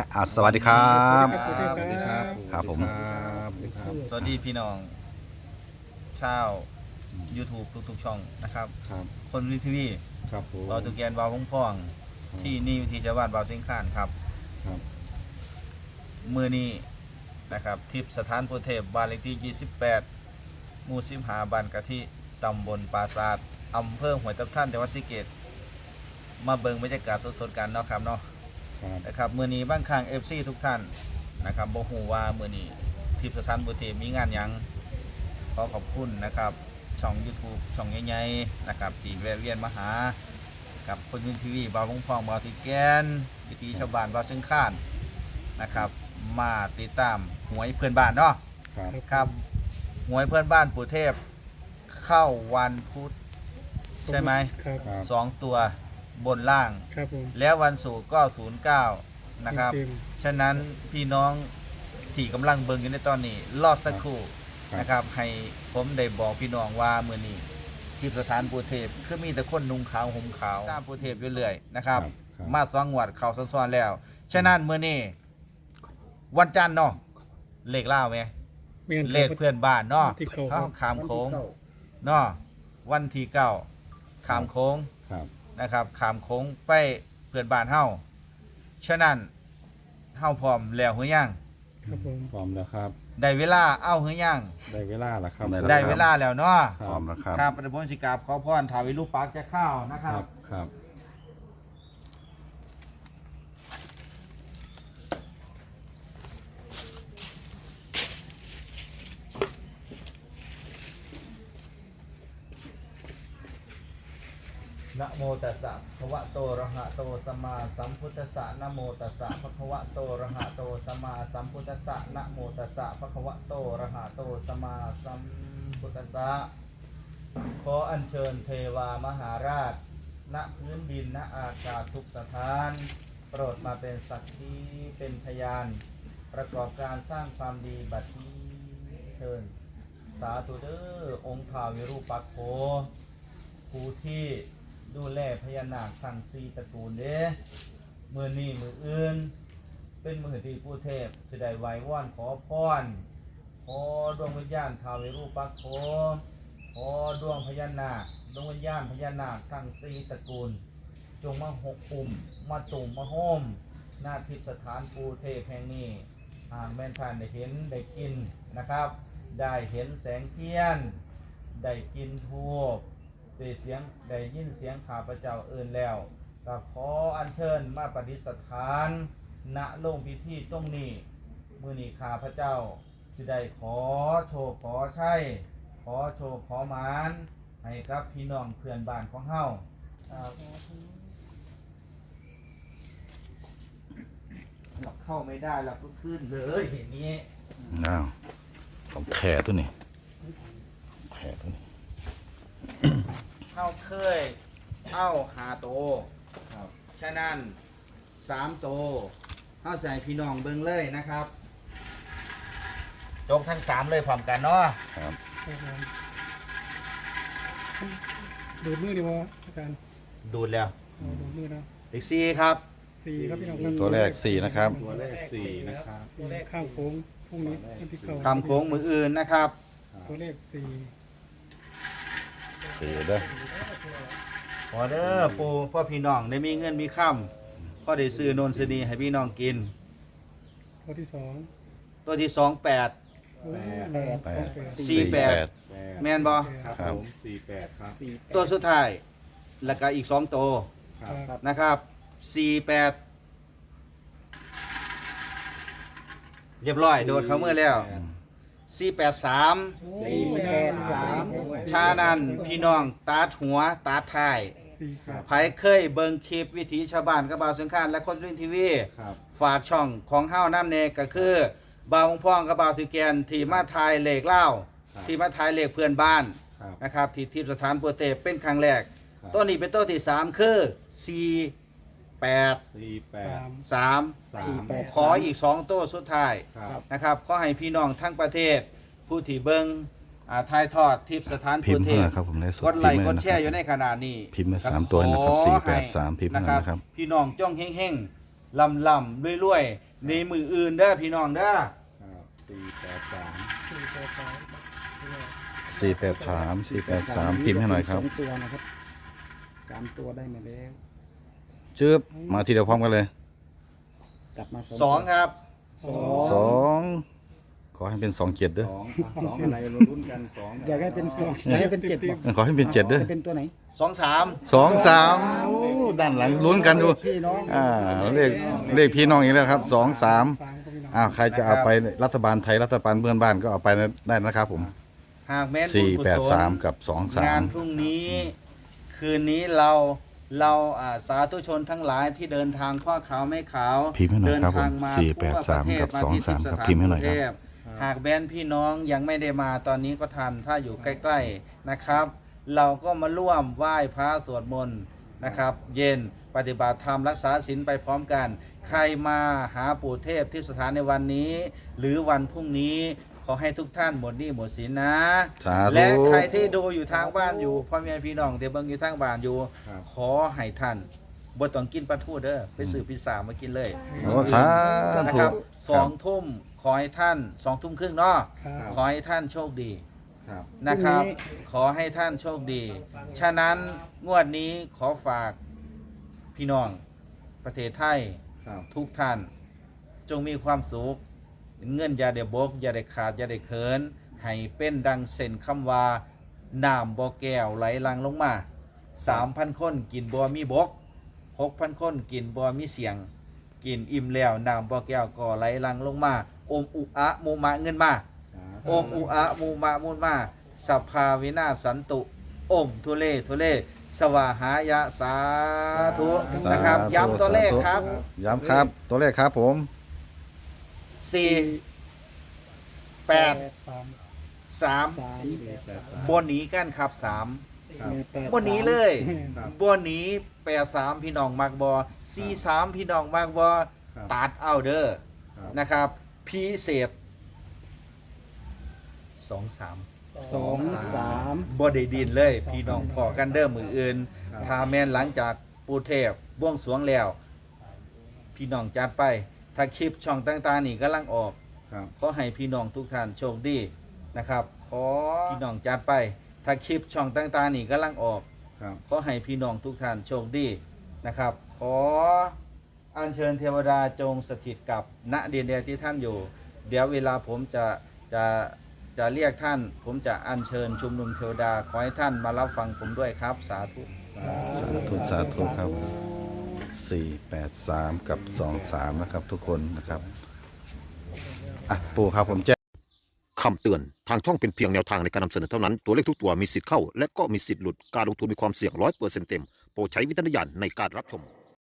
สวัสดีครับสวัสดีครับครับผมสวัสดีพี่น้องชาว YouTube ทุกๆช่องนะครับครับคนวิทีวีครับผมเราตุกแกนวาวพ่องๆที่นี่วิธีชาวบ้านวาวเชียงคานครับครับมือนี้นะครับทิพย์สถานโพเทพบ้านเลขที่28หมู่15บ้านกะทิตำบลปราสาทอำเภอห้วยทับทันจังหวัดศรีสะเกษมาเบิ่งบรรยากาศสดๆกันเนาะครับเนาะครับนะครับมื้อนี้บ้างข้าง FC ทุกท่านนะครับบ่ฮู้ว่ามื้อนี้ทิพย์สถานโพเทพมีงานหยังขอขอบคุณนะครับช่อง YouTube ช่องใหญ่ๆนะครับที่แวะเวียนมาหากับคนวิทีวีบาวพองบาวติแกนวิถีชาวบ้านบาวเชียงคานนะครับมาติดตามหวยเพื่อนบ้านเนาะครับครับหวยเพื่อนบ้านปู่เทพเข้าวันพุธใช่ไหมครับครับ 2 ตัวบนล่างครับผมแล้ววันศุกร์ก็09นะครับเต็มฉะนั้นพี่น้องที่กำลังเบิ่งอยู่ในตอนนี้รอสักครู่นะครับให้ผมได้บอกพี่น้องว่ามื้อนี้ที่สถานปู่เทพคือมีแต่คนนุ่งขาวห่มขาวตามปู่เทพอยู่เรื่อยนะครับครับมา2 งวดเข้าซ้อนๆแล้วฉะนั้นมื้อนี้วันจันทร์เนาะเลขล่าวไหมแม่นเลขเพื่อนบ้านเนาะที่เขาเข้าขามโค้งเนาะวันที่9ขามโค้งครับนะครับขามโค้งไปเพื่อนบ้านเฮาฉะนั้นเฮาพร้อมแล้วหรือยังครับผมพร้อมแล้วครับได้เวลาเอาหรือยังได้เวลาแล้วครับได้เวลาแล้วเนาะคพร้อมแล้วครับครับประพนสิกราบขอพรถาวิรูปปักษ์จะเข้านะคครัรับ บครับนะโมตัสสะภะคะวะโตอะระหะโตสัมมาสัมพุทธัสสะนะโมตัสสะภะคะวะโตอะระหะโตสัมมาสัมพุทธัสสะนะโมตัสสะภะคะวะโตอะระหะโตสัมมาสัมพุทธัสสะขออัญเชิญเทวามหาราชณพื้นดินณอากาศทุกสถาน โปรดมาเป็นสักขีเป็นพยาน ประกอบการสร้างความดีบัดนี้เชิญ สาธุเด้อองค์ท้าววิรูปักษ์โขผู้ที่ดูแลพญานาคทั้งสี่ตระกูลเด้มือนี้มืออื่น เป็นมือที่ผู้เทพจะได้ไหว้วอนขอพรขอดวงวิญญาณท้าววิรูปักษ์โขขอดวงพญานาคดวงวิญญาณพญานาคทั้งสี่ตระกูล จงมาหกปุ่มมาตุ่มมาโฮมหน้าทิพย์สถานปูเทพแห่งนี้หากแม่นท่านได้เห็นได้กินนะครับ ได้เห็นแสงเทียน ได้กินทูบได้เสียงได้ยินเสียงข้าพเจ้าเอื่นแล้วก็ขออัญเชิญมาปฏิสถานณโรงพิธีตรงนี้มื้อนี้ข้าพเจ้าจะได้ขอโชคขอชัยขอโชคขอหมานให้กับพี่น้องเพื่อนบ้านของเฮาเข้าไม่ได้เราก็ขึ้นเลยอย่างนี้อ้าวของแขตัวนี้แขตัวนี้เข้าเคยเข้าหาโตครับฉะนั้น3 โตเข้าใส่พี่น้องเบิ่งเลยนะครับจกทั้ง3เลยพร้อมกันเนาะครับครับผมดูดมือดีวะอาจารย์ดูดแล้วเอาดูดมือนะเลข4ครับสี่ครับพี่น้องครับตัวแรก4นะครับตัวแรก4นะครับตัวแรกข้ามโค้งพรุ่งนี้วันที่เก้าคำโค้งมืออื่นนะครับตัวเลขสี่ 4เด้อขอเด้อปูพ่อพี่น้องได้มีเงินมีค่ำพ่อได้ซื้อโนนซื้อนีให้พี่น้องกินตัวที่สองตัวที่2 8 โอ้ยแปดสี่แปด 8 แม่นบ่ครับผม48ครับตัวสุดท้ายแล้วก็อีก2 โตครับนะครับ48เรียบร้อยโดดเข้ามือแล้ว483 483 ชานันพี่น้องตาดหัวตาดท้าย 4 ไผเคยเบิ่งคลิปวิถีชาวบ้านกับบ่าวสังขารและคนรุ่นทีวีครับฝากช่องของเฮาน้ำเนก็คือบ่าวพ่องกับบ่าวถือแกนที่มาทายเลขเล่าที่มาทายเลขเพื่อนบ้านครับนะครับที่ทิพย์สถานโปรเตเป็นครั้งแรกครับตัวนี้เป็นตัวที่ 3 คือ 48 3 3 ขออีก 2 ตัวสุดท้ายครับนะครับขอให้พี่น้องทั้งประเทศ ผู้ที่เบิ่งถ่ายทอดทิพย์สถานพิโปรมพ์เทเท่าไหร่ครับผมในสดกดไลค์พิกมดพ์แชร์อยู่ในขณะนี้พิมพ์มา3ตัวนะครับ483พิมพ์มานะครับพี่น้องจ้องเฮงๆลำๆรวยๆในมืออื่นเด้อพี่น้องเด้อครับ483 483พิมพ์ให้หน่อยครับ 2 ตัวนะครับ3 ตัวได้มาแล้วจึ๊บมาทีเดียวพร้อมกันเลยกลับมา 2ครับ 2ขอให้เป็น2 7ด้วย 2อะไรเราลุ้นกัน2 อยากให้เป็นอยากให้เป็น7บอกขอให้เป็น7ด้วยจะเป็นตัวไหน 2 3 2 3โอ้ด้านหลังลุ้นกันดูพี่น้องเลขพี่น้องอีกแล้วครับ2 3 3ครับพี่น้องใครจะเอาไปรัฐบาลไทยรัฐบาลเพื่อนบ้านก็เอาไปได้นะครับผมหากแม้นบุญกุศล 483 กับงานพรุ่งนี้คืนนี้เราสาธุชนทั้งหลายที่เดินทางข้อขาวไม่ขาวพิมพ์ให้หน่อยครับผมเดินทางมา 483กับทั่วประเทศ 23ครับมาที่พิมพ์ให้หน่อยครับกรุงเทพหากแบนพี่น้องยังไม่ได้มาตอนนี้ก็ทันถ้าอยู่ใกล้ๆนะครับ เราก็มาร่วมไหว้พระสวดมนต์นะครับ เย็นปฏิบัติธรรมรักษาศีลไปพร้อมกัน ใครมาหาปู่เทพที่สถานในวันนี้ หรือวันพรุ่งนี้ขอให้ทุกท่านหมดหนี้หมดสินนะสาธุและใครที่ดูอยู่ทางบ้านอยู่พ่อแม่พี่น้องเดี๋ยวเบิ่งอยู่ทางบ้านอยู่ครับขอให้ท่านบ่ต้องกินปลาทูเด้อไปซื้อพิซซ่ามากินเลยโอ้สานะธุครับ2 ทุ่มขอให้ท่าน2 ทุ่มครึ่งเนาะครับขอให้ท่านโชคดีครับนะครับ ขอให้ท่านโชคดี ฉะนั้นงวดนี้ขอฝากพี่น้องประเทศไทยครับทุกท่าน จงมีความสุขเงินอย่าได้บกอย่าได้ขาดอย่าได้เขินให้เป็นดังเส้นคำว่าน้ำบ่อแก้วไหลหลังลงมา 3,000 คนกินบ่มีบก 6,000 คนกินบ่มีเสียง กินอิ่มแล้วน้ำบ่อแก้วก็ไหลหลังลงมาอมอุอะมูมะเงินมาสาอมอุอะมูมะมูลมาสัพพาวินาศสันตุอมทุเลสวาหายะสาธุนะครับย้ำตัวเลขครับย้ำครับ ตัวเลขครับผม 4 8 3 3บนหนีกันครับ3 ครับบนหนีเลยครับบนหนี83พี่น้องมักบอ43พี่น้องมักบอครับตัดเอาเด้อครับนะครับพิเศษ2 2 บ่ได้ดินเลยพี่น้องพอกันเด้อมืออื่นครับถ้าแม่นหลังจากปูเทพบวงสรวงแล้ว พี่น้องจัดไป ถ้าคลิปช่องต่างๆนี่กำลังออกครับขอให้พี่น้องทุกท่านโชคดีนะครับ ขอพี่น้องจัดไป ถ้าคลิปช่องต่างๆนี่กำลังออกครับขอให้พี่น้องทุกท่านโชคดีนะครับ ขออัญเชิญเทวดาจงสถิตกับณดินแดนที่ท่านอยู่ เดี๋ยวเวลาผมจะเรียกท่าน ผมจะอัญเชิญชุมนุมเทวดาขอให้ท่านมารับฟังผมด้วยครับ สาธุสาธุครับ 483 กับ 23 นะครับ ทุกคนนะครับปู่ครับผมแจ้งคำเตือน ทางช่องเป็นเพียงแนวทางในการนำเสนอเท่านั้น ตัวเลขทุกตัวมีสิทธิ์เข้า และก็มีสิทธิ์หลุด การลงทุนมีความเสี่ยง100%เต็ม โปรดใช้วิจารณญาณในการรับชม